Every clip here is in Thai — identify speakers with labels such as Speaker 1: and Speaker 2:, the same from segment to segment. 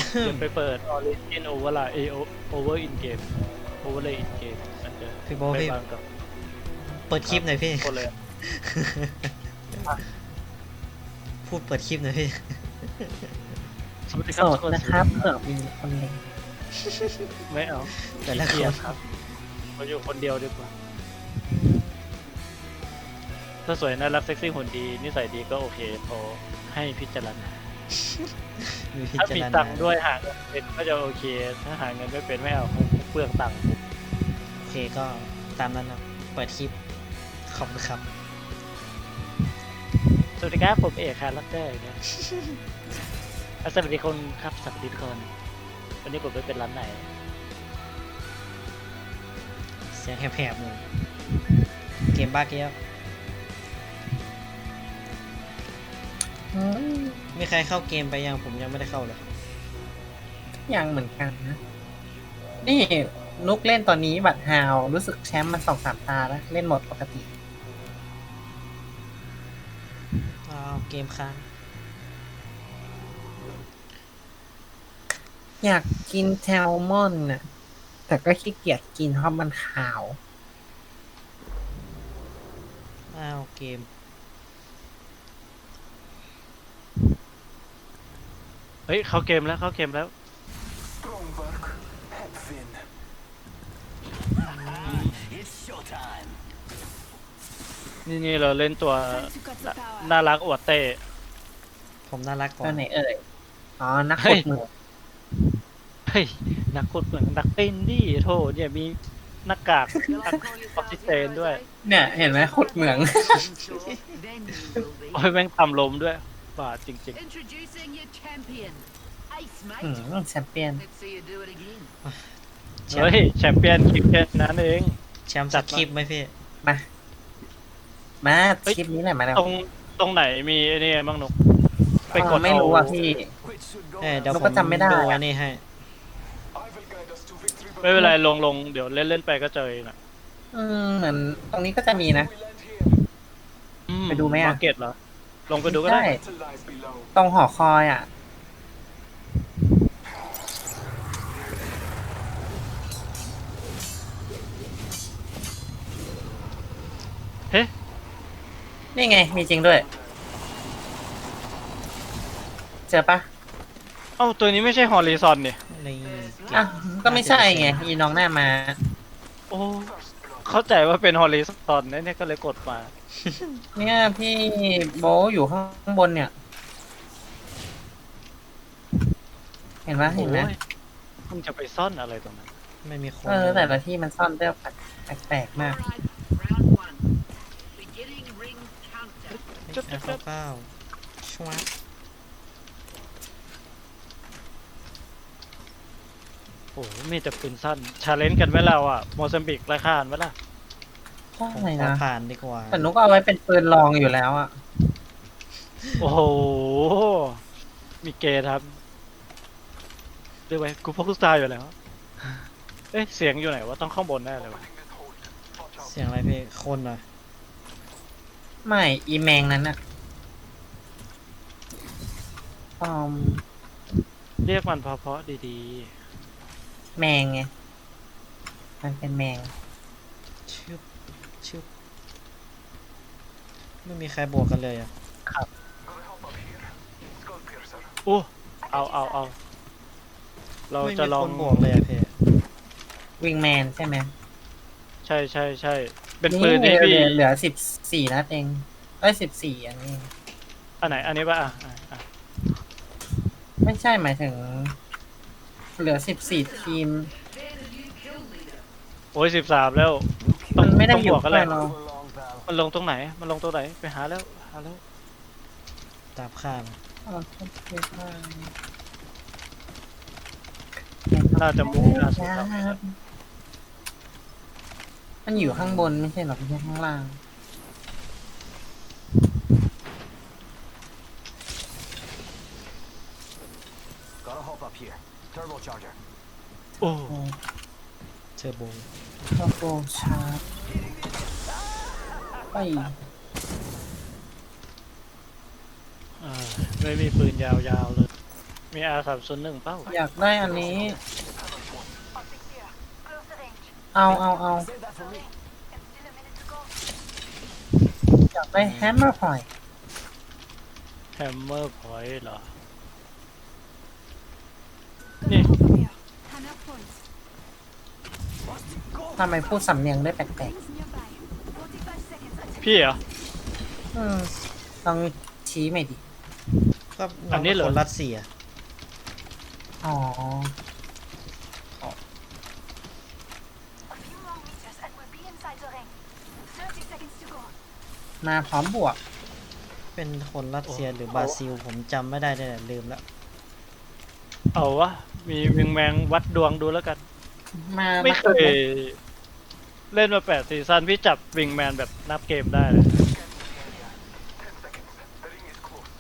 Speaker 1: อย่าไปเปิด Origin Over in Game Overlay in Game มันจะ
Speaker 2: พี่โบ
Speaker 1: ไม่
Speaker 2: พี่
Speaker 1: บางกับ
Speaker 2: เปิดคลิปหน่อยพี่
Speaker 1: คนเลย
Speaker 2: พูดเปิดคลิปหน่อยพี่
Speaker 1: สวัสดีค
Speaker 3: โส
Speaker 1: รับ
Speaker 3: ด
Speaker 1: ทุกคน
Speaker 3: นะครับเผื่อมีคนเล็ง
Speaker 1: ไม่เอา
Speaker 2: แต่ละคน
Speaker 1: เกลียดครับเราอยู่คนเดียวดีกว่า ถ้าสวยน่ารักเซ็กซี่หุ่นดีนิสัยดีก็โอเคพอให้พิจารณา
Speaker 2: มีพิ
Speaker 1: ถ้า
Speaker 2: จาร
Speaker 1: มี
Speaker 2: ณา
Speaker 1: ตังค์ด้วยหาเงินเป็นก็จะโอเค ถ้าหาเงินไม่เป็นไม่เอาเปลืองตังค์
Speaker 2: โอเคก็ตามนั้นนะเปิดคลิปขอบคุณครับ
Speaker 1: สวัสดีครับผมเอกครับลักเตอร์นะสวัสดีคนครับสวัสดีทุกคนวันนี้ผมไปเป็นร้านไหน
Speaker 2: เสียงแหบๆหนึ่งเกมบ้าเกี้ยว
Speaker 3: อืม
Speaker 2: มีใครเข้าเกมไปยังผมยังไม่ได้เข้าเลย
Speaker 3: ยังเหมือนกันนะ นี่นุกเล่นตอนนี้บัตรฮาวรู้สึกแชมป์มา2-3 ตาแล้ว เล่นหมดปกติ
Speaker 2: อ้าวเกมค้าง
Speaker 3: อยากกินแซลมอนน่ะ แต่ก็ขี้เกียจกินเพราะมันขาว
Speaker 2: อ้าวเกม
Speaker 1: เฮ้ยเข้าเกมแล้วเข้าเกมแล้ว
Speaker 4: Strong work, head fin. It's showtime.
Speaker 1: นี่เราเล่นตัวน่ารักอวดเต้
Speaker 2: ผมน่ารักก
Speaker 3: ตั
Speaker 2: ว่า
Speaker 3: วไหนเอ่ย อ๋อ นัก
Speaker 1: เฮ้
Speaker 3: ขุ
Speaker 1: ย
Speaker 3: ดเหมือง
Speaker 1: เฮ้ยนักกดเหมือนนักเต้นดิโทษเนี่ยมีหน้ากากออกซิเจนด้วย
Speaker 3: เนี่ย เห็นไหมขุดเหมือง
Speaker 1: โอ้ยแม่งทำลมด้วยบาดจริง
Speaker 5: Introducing your champion. Ace,
Speaker 3: อื
Speaker 5: mate.
Speaker 3: มแชมเปี้ยน
Speaker 5: Let's see you do it again.
Speaker 1: ๆ เฮ้ยแชมเปี้ยนคริกเก็ตนั่นเอง
Speaker 2: แชมป์สักคลิปไหมพี่
Speaker 3: มา มาคลิปนี้แหละมาแล้ว
Speaker 1: ตรงไหนมีไอ้นี่บ้างนุกไปกด
Speaker 3: ไม่รู้อ่ะพี่
Speaker 4: Which should go
Speaker 2: เดี๋ยว
Speaker 3: เรา
Speaker 2: ผ
Speaker 3: ก็
Speaker 2: ม
Speaker 3: จำไม่ได้
Speaker 2: ดู
Speaker 3: อะ
Speaker 2: อันนี้ให้
Speaker 4: I will guide us to victory.
Speaker 1: ไม่เป็นไรลงเดี๋ยวเล่นไปก็เจอเองนะ
Speaker 3: เหมือนตรงนี้ก็จะมีนะ
Speaker 4: We land here.
Speaker 3: ไปดูไหมอะ
Speaker 1: มาร์เก็ตเหรอ ลงไปดูก็ได้
Speaker 3: ใช่
Speaker 4: Battle lies below.
Speaker 3: ตรงหอคอยอ่ะ
Speaker 1: เฮ้
Speaker 3: นี่ไง มีจริงด้วย เจอปะ
Speaker 1: เอ้าตัวนี้ไม่ใช่ฮอริซอนเนี่ย
Speaker 2: ในเก
Speaker 3: อ่ะ
Speaker 2: ม
Speaker 3: ก็ไม่ใช่ไงอีน้องหน้ามา
Speaker 1: โอ้เข้าใจว่าเป็นฮอริซอนเนี่ยก็เลยกดมา
Speaker 3: เนี่ยพี่โบทอยู่ข้างบนเนี่ย เห็นไหมเห็นไหม
Speaker 1: โอ้ยมึงจะไปซ่อนอะไรตรงนั้น
Speaker 2: ไม่มีคน
Speaker 3: แต่ละที่มันซ่อนเรื่องแปลกๆมาก
Speaker 5: All right, round one. Beginning ring counter.
Speaker 2: เก้าชวับ
Speaker 1: โอ้โหมีแต่ปืนสั้นชาเลนจ์กันไหมเราอ่ะโมซัมบิกราคาไหมล่ะ
Speaker 3: ใช่
Speaker 2: ผมขอ
Speaker 3: นะ
Speaker 2: ผ่านดีกว่า
Speaker 3: แต่นุกเอาไว้เป็นปืนรองอยู่แล้วอ่ะ
Speaker 1: โอ้โห มีเกย์ครับเรียกไว้กูพกลูกตาอยู่แล้ว เอ๊ะ เสียงอยู่ไหนวะต้องข้างบนแน่เลยวะ
Speaker 2: เสียงอะไรพี่คนเหรอ
Speaker 3: ไม่อีแมงนั้นอ่ะม
Speaker 1: เรียกมันเพราะๆดี
Speaker 3: แมงไง มันเป็นแมง
Speaker 2: ชึบไม่มีใครบวกกันเลยอ่ะ
Speaker 4: Gonna help up here. Skull piercer.
Speaker 1: ๆโอ้เอาเรา
Speaker 2: ไม่
Speaker 1: จะ
Speaker 2: มี
Speaker 1: ลอ
Speaker 2: ค
Speaker 1: ง
Speaker 2: นบวกเลยอ่ะพี่
Speaker 3: วิงแมนใช่ไหม
Speaker 1: ใช่เป็นปืนที่พี่
Speaker 3: เหลือ14 นัดเอง14 อันนี้
Speaker 1: อันไหน อันนี้ป่ะ
Speaker 3: ไม่ใช่หมายถึง เหลือ14 ทีม
Speaker 1: โอ้ย13 แล้ว
Speaker 3: มันไม่ได้
Speaker 1: ต้อง
Speaker 3: อบ ยู่
Speaker 1: วกกันแหละ
Speaker 3: เรา
Speaker 4: So long, pal.
Speaker 1: มันลงตรงไหน ไปหาแล้ว
Speaker 2: ตามข้าม
Speaker 1: น่าจะมุ่งหน้าสู่เรา
Speaker 3: มันอยู่ข้างบนไม่ใช่หรอไม่ใช่ข้างล่าง
Speaker 4: Gotta hop up here. Turbocharger.
Speaker 1: โอ้
Speaker 2: เทอร์โบ
Speaker 3: โลโก้ชาร์จไป
Speaker 1: ไม่มีปืนยาวๆเลยมี R301เป้า
Speaker 3: อยากได้อันนี้ เอา
Speaker 4: Save that for me.
Speaker 3: อยากได้แฮมเมอร์พอย
Speaker 1: แฮมเมอร์พอยต์เหรอ
Speaker 6: Gonna
Speaker 1: Yeah.
Speaker 6: hop up here. Hang up points.
Speaker 3: ทำไมพูดสำเนียงได้แปลก
Speaker 6: Rings nearby. 45 seconds until
Speaker 1: พี่เหรอ
Speaker 3: ๆต้องชี้ใหม่ดิ
Speaker 2: ก็
Speaker 1: อันนี้เหรอ
Speaker 2: คนรัสเซีย
Speaker 3: อ๋อ
Speaker 6: a few more meters and we'll be inside the ring. 30 seconds to go.
Speaker 3: มาพร้อมบวก
Speaker 2: เป็นคนรัสเซียหรือบราซิลผมจำไม่ได้เลยลืมแล้ว
Speaker 1: เอาวะ มีวิงแมงวัดดวงดูแล้วกัน
Speaker 3: มา
Speaker 1: ไม่เคยเล่นมา8ซีซั่นพี่จับวิงแมนแบบนับเกมได้เลย
Speaker 4: 10 seconds. The ring is close.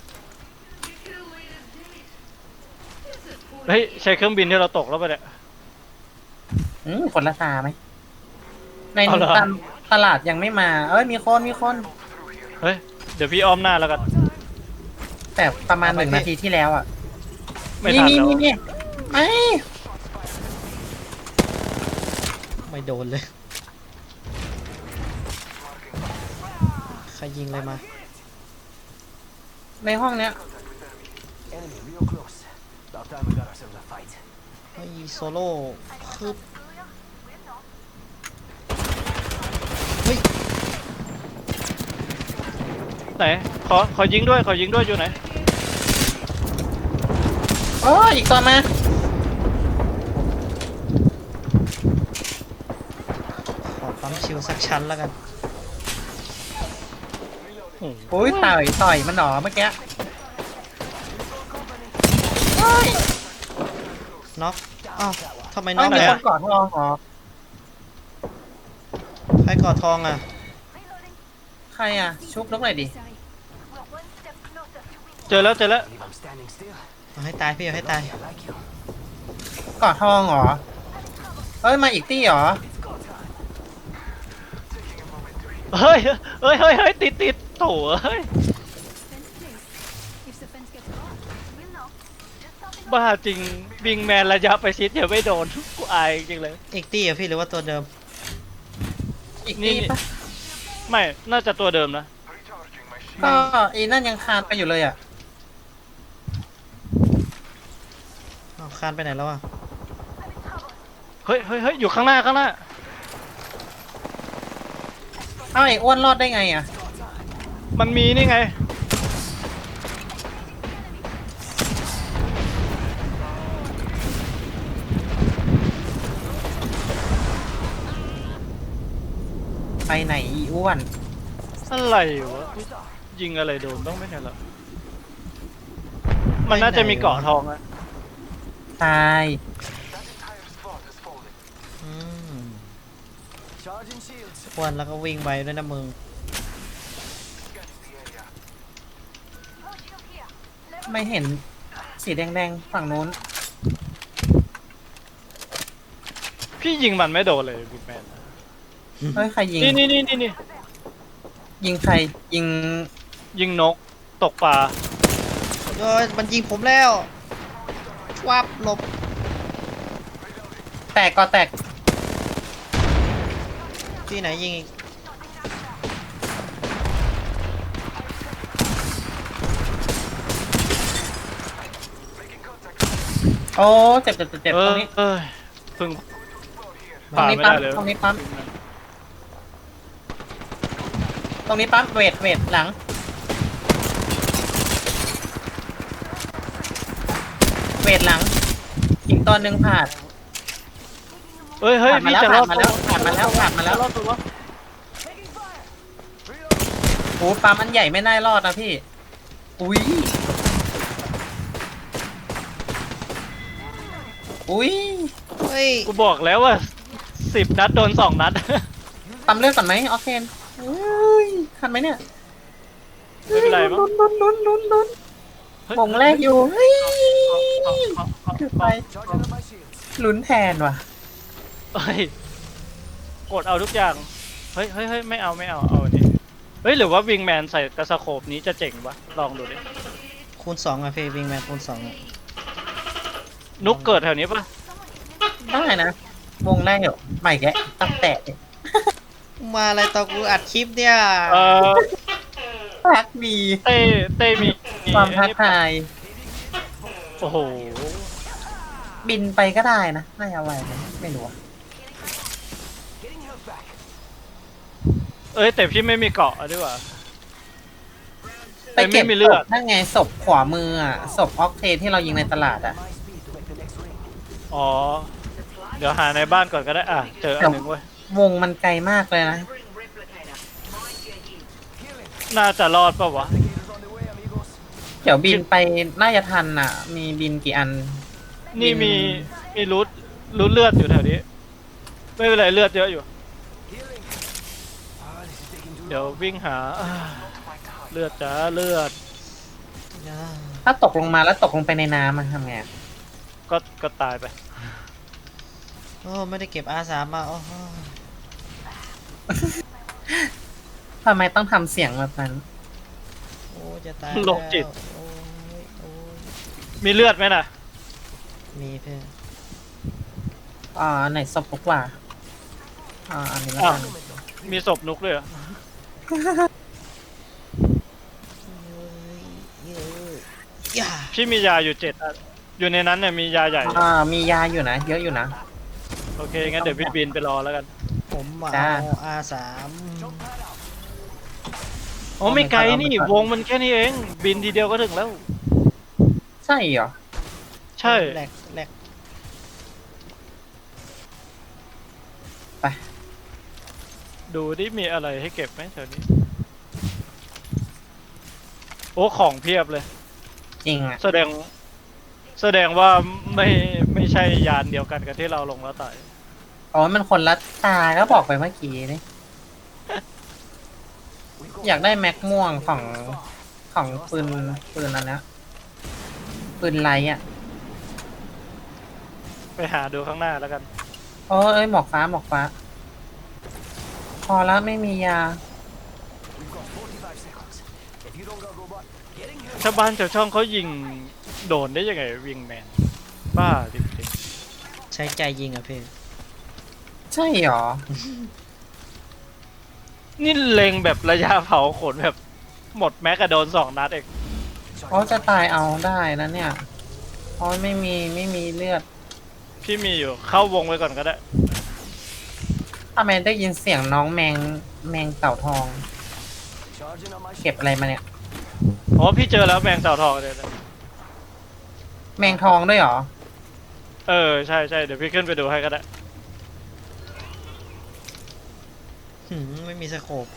Speaker 1: เฮ้ย ใช้เครื่องบินที่เราตกแล้วไปะเนี่ย
Speaker 3: คนละตาไหม ใน
Speaker 1: เอาเหรอ
Speaker 3: ตลาดยังไม่มา เอ้ย มีคน
Speaker 1: เฮ้ย เดี๋ยวพี่อ้อมหน้าแล้วกัน
Speaker 3: แต่ประมาณ
Speaker 2: เอาไป
Speaker 3: 1 นาทีที่แล้วอ่ะ
Speaker 1: ไม่ทันแล้ว
Speaker 3: นี่ไม่
Speaker 2: ไม่โดนเลย ใครยิงเลยมา
Speaker 3: ในห้องเนี้ย
Speaker 4: Enemy real close. About time we got ourselves a fight.
Speaker 2: ไอ้โซโล่คือเฮ้ย
Speaker 1: ไหน ขอยิงด้วย ขอยิงด้วยอยู่ไหน
Speaker 3: โอ้ยอีกตัวมา
Speaker 2: ขอปั๊มชิวสักชั้นแล้วกัน
Speaker 3: อุ้ยต่อยมันหนอเมื่อกี้เฮ้ย
Speaker 2: น็อก อ้าวทำไมน็
Speaker 3: ไม่
Speaker 2: อก
Speaker 3: มี
Speaker 2: เลย
Speaker 3: ค
Speaker 2: อะ
Speaker 3: นกอดทองเหรอ
Speaker 2: ใครกอดทองอ่ะ
Speaker 3: ใครอ่ะ ชุบนกหน่อยดิ
Speaker 6: Sorry. We're one step closer to winning.
Speaker 1: เจอแล้ว
Speaker 4: Believe I'm standing still.
Speaker 2: เอาให้ตายพี่เอาให้ตาย
Speaker 4: I like you.
Speaker 3: กอดทองเหรอ เอ้ย มาอีกตี้เหรอ
Speaker 1: เฮ้ย ติด โถ่เฮ้ย
Speaker 6: Fence place. If the fence gets caught, we'll know. Just something
Speaker 1: บ้าจริง วิงแมนระยะประชิดอย่าไม่โดน กูอายจริงเลย
Speaker 2: อีกตี้เหรอพี่หรือว่าตัวเดิม
Speaker 3: อีก
Speaker 1: นี่
Speaker 3: ตี้ปะ
Speaker 1: ไม่ น่าจะตัวเดิมนะ
Speaker 4: Recharging my shield.
Speaker 3: ก็อีนั่นยังคานไปอยู่เลยอ่ะ
Speaker 2: อ้าวคานไปไหนแล้วอ่ะ
Speaker 1: เฮ้ย อยู่ข้างหน้า
Speaker 3: เอ้าไอ้อ้วนรอดได้ไงอ่ะ
Speaker 1: มันมีนี่ไง
Speaker 3: ไปไหนอีอ้วน
Speaker 1: อะไรวะ ยิงอะไรโดนบ้างไหมเนี่ยล่ะมันน่าจะมีเกาะทองอะ
Speaker 3: ตาย
Speaker 4: That entire squad is falling.
Speaker 2: อืม
Speaker 4: Charging shields.
Speaker 2: อ้วนแล้วก็วิ่งไปด้วยนะมึง
Speaker 4: Scanning the area.
Speaker 6: No shield here.
Speaker 3: ไม่เห็นสีแดงๆ ฝั่งนู้น
Speaker 1: พี่ยิงมันไม่โดนเลยบิ๊กแมน
Speaker 3: เฮ้ย ใครยิง
Speaker 1: นี่
Speaker 3: ยิงใคร ยิง
Speaker 1: ยิงนก ตกปลา
Speaker 2: เอ้ยมันยิงผมแล้ววับหลบ
Speaker 3: แตกก็แตก
Speaker 2: ที่ไหนยิงอีก
Speaker 3: โอ้ เจ็บตรงนี้
Speaker 1: เพึ่ง
Speaker 3: ตรงนี้
Speaker 1: ไม่
Speaker 3: ปั๊ม
Speaker 1: ได้เลย
Speaker 3: ตรงนี้ปั๊ม ตรงนี้ปั๊ม เวทหลัง เวทหลัง อีกตัวหนึ่งผ่าน
Speaker 1: เฮ้ย
Speaker 3: ผ่านมา
Speaker 1: พี่
Speaker 3: แล้ว
Speaker 1: จะรอด
Speaker 3: ผ่านมาแล้ว
Speaker 1: รอดตัว
Speaker 3: โอ้ปั๊มอันใหญ่ไม่น่ารอดนะพี่ อุ้ย อุ้ย
Speaker 2: เฮ้ย
Speaker 1: กูบอกแล้วว่า10 นัดโดน 2 นัด
Speaker 3: ปั๊มเลือดก่อนไหมออกเคนอุ้ยทันไหมเนี่ย
Speaker 1: ไม่เป็นไรมั้ง
Speaker 3: ลุ้นมงแรกอยู่เฮ้ยคือไป
Speaker 4: Charging up my shields.
Speaker 3: ลุ้นแทนว่ะ
Speaker 1: เฮ้ย กดเอาทุกอย่าง เฮ้ย ไม่เอา เอาอันนี้ เฮ้ย หรือว่าวิงแมนใส่กระสโคปนี้จะเจ๋งวะ ลองดูดิ
Speaker 2: คูณ 2อ่ะพี่วิงแมนคูณ 2อ่ะ
Speaker 1: นุกเกิดแถวนี้ปะ
Speaker 3: ได้นะ วงได้อยู่ใหม่แกะตั้งแต่
Speaker 2: มาอะไรตอนกูอัดคลิปเนี่ย
Speaker 1: เออ
Speaker 3: ทักมี
Speaker 1: เต้มี
Speaker 3: ความท้าทาย
Speaker 1: โอ้โห
Speaker 3: บินไปก็ได้นะน่าจะไหวไหมไม่รู้อะ
Speaker 4: Getting health back.
Speaker 1: เอ้ยแต่พี่ไม่มีเกาะดีกว่า
Speaker 3: ไปเก็บ
Speaker 1: ไม่มีเลื
Speaker 3: ศ
Speaker 1: อด
Speaker 3: พนั่นไงศพขวามืออ่ะศพออกเทนที่เรายิงในตลาดอ่ะ
Speaker 4: My speed to make the next ring.
Speaker 1: อ๋อ เดี๋ยวหาในบ้านก่อนก็ได้อ่ะ เจออันหนึ่งเว้ย
Speaker 3: วงมันไกลมากเลยนะ
Speaker 5: Bring replicator. Mind your heels.
Speaker 1: น่าจะรอดปะวะ
Speaker 4: Replicators on the way, amigos.
Speaker 3: เดี๋ยวบินไปน่าจะทันอ่ะ มีบินกี่อัน
Speaker 1: นี่มีรูทเลือดอยู่แถวนี้ ไม่เป็นไรเลือดเยอะอยู่
Speaker 4: Healing. This is taking too
Speaker 1: เดี๋ยว
Speaker 4: long.
Speaker 1: วิ่งหาเลือดจ้าเลือด
Speaker 3: ถ้าตกลงมาแล้วตกลงไปในน้ำมันทำไงอะ
Speaker 1: ก็ตายไป
Speaker 2: โอ้ไม่ได้เก็บอาสามาโอ้โห
Speaker 3: ทำไมต้องทำเสียงแบบนั้น
Speaker 2: โอ้จะตาย
Speaker 1: โรคจิต
Speaker 2: แล้วโอ้ยโอ้ย
Speaker 1: มีเลือดไหมน่ะ
Speaker 2: มีเพื่อน
Speaker 3: ไหนศพกว่า อันนี้แล้ว
Speaker 1: อ้าว
Speaker 3: กัน
Speaker 1: มีศพนุกเลยเหรอ
Speaker 2: อย่า
Speaker 1: พี่มียาอยู่7 อัน อยู่ในนั้นเนี่ยมียาใหญ่
Speaker 3: มียาอยู่นะ เยอะอยู่นะ
Speaker 1: โอเค งั้นเดี๋ยวพี่บินไปรอแล้วกัน
Speaker 2: ผมมา
Speaker 3: จ้า
Speaker 2: เอาอาสาม
Speaker 1: อ๋อไม่ไกลนี่วงมันแค่นี้เอง บินทีเดียวก็ถึงแล้ว
Speaker 3: ใช่เหรอ
Speaker 1: ใช่
Speaker 2: แหลกแหลก
Speaker 3: ไป
Speaker 1: ดูดิมีอะไรให้เก็บไหมแถวนี้ โอ้ของเพียบเลย
Speaker 3: จริงอ่ะ
Speaker 1: แสดงว่าไม่ใช่ยานเดียวกันกับที่เราลงแล้วตาย
Speaker 3: อ๋อ มันคนละตาก็บอกไปเมื่อกี้นี่
Speaker 4: We've got
Speaker 3: อยากได้แม็กม่วงของปืนอันเนี้ยปืนไลท์อ่ะ
Speaker 1: ไปหาดูข้างหน้าแล้วกัน
Speaker 3: โอ้ยหมอกฟ้าหมอกฟ้า พอแล้วไม่มียา
Speaker 4: We've got 45 seconds. If you don't got robot, getting health.
Speaker 1: ชาวบ้านชาวช่องเขายิงโดนได้ยังไงวิงแมน บ้าจริง
Speaker 2: ใช้ใจยิงอ่ะเพื่อน
Speaker 3: ใช่เหรอ
Speaker 1: ๆนี่เล็งแบบระยะเผาขนแบบหมดแม็กกะโดน2 นัดเอง
Speaker 3: อ๋อจะตายเอาได้นะเนี่ยอ๋อไม่มีเลือด
Speaker 1: พี่มีอยู่เข้าวงไว้ก่อนก็ได้
Speaker 3: ทำไมได้ยินเสียงน้องแมงเต่าทอง
Speaker 4: Charging on my
Speaker 3: เก็บอะไรมาเนี่ย
Speaker 1: อ๋อพี่เจอแล้วแมงเต่าทองเลยนะ
Speaker 3: แมงทองด้วยเหรอ
Speaker 1: เออใช่เดี๋ยวพี่ขึ้นไปดูให้ก็ได้
Speaker 2: ไม่มีสโคป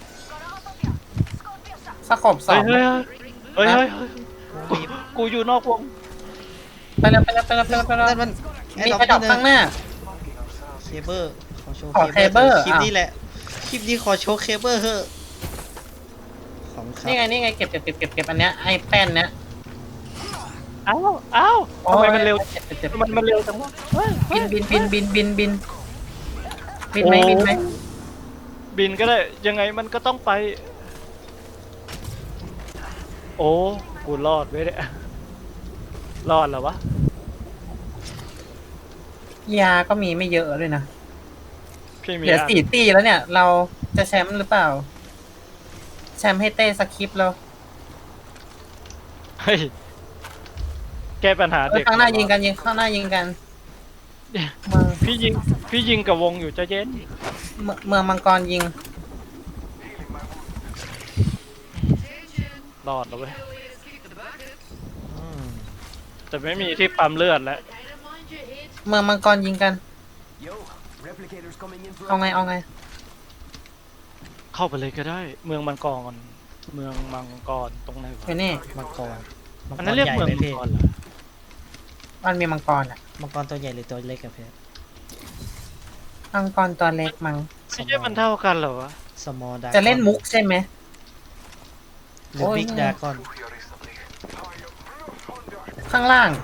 Speaker 3: สกบสอ
Speaker 1: เฮ้ย
Speaker 3: ง
Speaker 1: เฮ้ย
Speaker 2: วงบีบ
Speaker 1: กูอยู่นอกวง
Speaker 3: ไปแล้ว
Speaker 2: นั่นมัน
Speaker 3: มีกระดอกข้างหน้า
Speaker 2: เคเบิลขอโชว์
Speaker 3: ขอเคเบิล
Speaker 2: คลิปนี้แหละ คลิปนี้ขอโชว์เคเบิลเถอะของครับ
Speaker 3: นี่ไงเก็บอันเนี้ยไอ้แป้นเนี้ย
Speaker 1: อ้าวทำไมมันเร็ว
Speaker 3: เก็บ
Speaker 1: มันเร็วจังวะเฮ้ย
Speaker 3: บินไหม
Speaker 1: บินก็ได้ยังไงมันก็ต้องไป โอ้กูรอดไว้เนี่ยรอดแล้ววะ
Speaker 3: ยาก็มีไม่เยอะด้วยนะ
Speaker 1: พี่มี
Speaker 3: เหลือ
Speaker 1: อัน
Speaker 3: 4 ตีแล้วเนี่ย เราจะแชมป์หรือเปล่า แชมป์ให้เต้สคริปต์แล้ว
Speaker 1: เฮ้ยแก้ปัญหาเด็ก
Speaker 3: ข้างหน้ายิงกันข้างหน้ายิงกัน
Speaker 1: พี่ยิงกับวงอยู่ใจะเย็น
Speaker 3: เมืองมังกรยิง
Speaker 1: รอดแล้วเว้ย
Speaker 2: อืม
Speaker 1: แต่ไม่มีที่ปั๊มเลือดแล้ว
Speaker 3: เมืองมังกรยิงกัน
Speaker 4: Yo, replicators coming in for
Speaker 3: เอาไง
Speaker 1: เข้าไปเลยก็ได้ เมืองมังกรตรงไหนวะ
Speaker 3: ไปนี่
Speaker 2: มังกร
Speaker 1: อันนั้นเรียก
Speaker 2: ใหญ่
Speaker 1: เมือง
Speaker 2: ไหม
Speaker 1: มัง
Speaker 2: พี่
Speaker 1: กรเหรอ
Speaker 3: มันมีมังกรอ่ะ
Speaker 2: มังกรตัวใหญ่หรือตัวเล็กอะเพื่อน
Speaker 3: มังกรตัวเล็กมัง
Speaker 1: ไม่ใช่มันเท่ากันเหรอวะ
Speaker 2: สมอลดา
Speaker 3: จะเล่นมุกใช่ไหม
Speaker 2: หรือ
Speaker 3: โอ้ย
Speaker 2: บิ๊กดากอน
Speaker 3: ข้างล่าง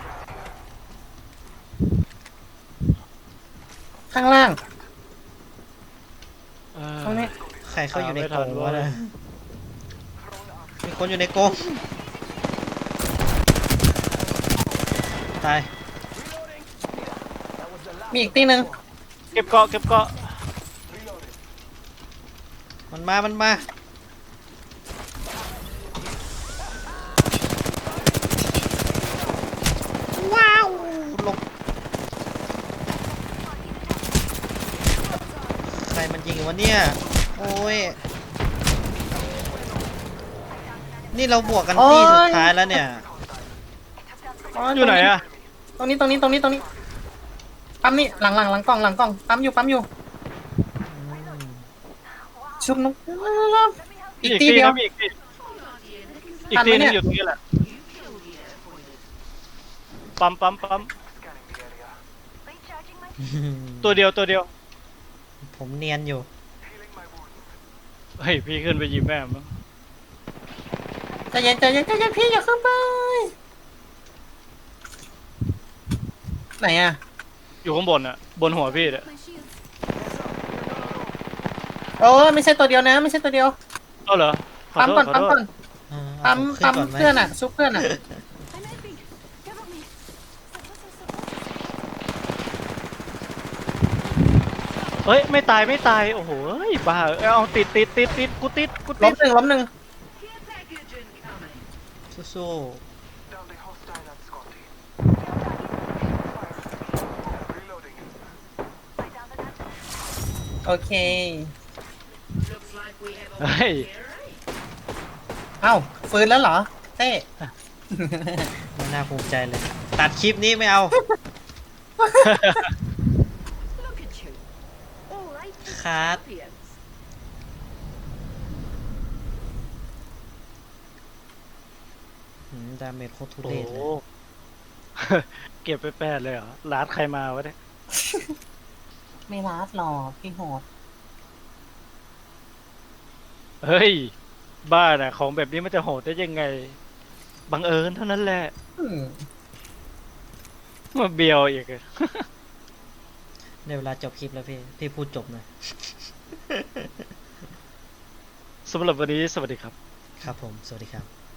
Speaker 1: เออ
Speaker 3: ตรงนี้
Speaker 2: ใครเข้าอยู่ใน
Speaker 1: ไม่
Speaker 2: ก
Speaker 1: ทั
Speaker 2: ร
Speaker 1: น
Speaker 2: ง
Speaker 1: เว้
Speaker 2: วะ
Speaker 1: ย
Speaker 2: นะมีคนอยู่ในกรงตาย
Speaker 3: มีอีกตีหนึ่ง
Speaker 1: เก็บเกาะเก็บเกาะ
Speaker 2: มันมา มันมา ว้าวหลบใครมันยิงวะเนี่ย โอ้ย นี่เราบวกกันที่สุดท้ายแล้วเนี่ย
Speaker 1: อยู่ไหนอะ
Speaker 3: ตรงนี้ปั๊มนี่หลังกล่องปั๊มอยู่ชุบนกอีกตีเดียว
Speaker 1: นะมีอีกตีนึงอยู่ตรงนี้แหละปั๊ม
Speaker 6: Recharging my
Speaker 1: ตัวเดียว
Speaker 2: ผมเนียนอยู่
Speaker 1: เฮ้ยพี่ขึ้นไปหยิบแม่มั้ง
Speaker 3: ใจเย็นพี่อย่าขึ้นไปไหนอะ
Speaker 1: อยู่ข้างบนอะบนหัวพี่เนี่ย
Speaker 5: My shields.
Speaker 3: โอ้ไม่ใช่ตัวเดียวนะ ไม่ใช่ตัวเดียว
Speaker 1: เอาเหรอขอ
Speaker 3: ปั๊ม
Speaker 1: โท
Speaker 3: ก่อ
Speaker 1: ษ
Speaker 3: น
Speaker 1: ขอ
Speaker 3: ปั๊ม
Speaker 1: โท
Speaker 3: ก่อ
Speaker 1: ษ
Speaker 3: น
Speaker 2: เอา
Speaker 3: ปั๊ม
Speaker 2: ขึ้นก่อนไหม
Speaker 3: เพื่อนอะชุบเพื่อนอะ
Speaker 5: I'm helping. Cover me.
Speaker 1: เฮ้ยไม่ตายโอ้โหเฮ้ยบ้าเอาติดกูติด
Speaker 3: ล้มหนึ่ง
Speaker 5: Care package incoming.
Speaker 2: สู้
Speaker 3: โอเค
Speaker 5: Looks like we have a
Speaker 1: เฮ้ย
Speaker 3: เอ้าฟื้นแล้วเหรอเต้
Speaker 2: ๆไม่น่าภูมิใจเลย ตัดคลิปนี้ไม่เอา
Speaker 5: look at you. All right.
Speaker 2: คัด
Speaker 5: Champions.
Speaker 2: ดาเมจโคตรทุ
Speaker 1: โอ้
Speaker 2: เรศ
Speaker 1: โห
Speaker 2: เลย
Speaker 1: เก็บไป8เลยเหรอร้านใครมาวะเนี่ย
Speaker 3: ไม่รัดหรอกพี่โหด
Speaker 1: เฮ้ยบ้าน่ะของแบบนี้มันจะโหดได้ยังไงบังเอิญเท่านั้นแหละ
Speaker 3: อืม
Speaker 1: มาเบียวอีกอะ
Speaker 2: ในเวลาจบคลิปแล้วพี่พูดจบหน่อย
Speaker 1: สำหรับวันนี้สวัสดีครับ
Speaker 2: ครับผม สวัสดีครับ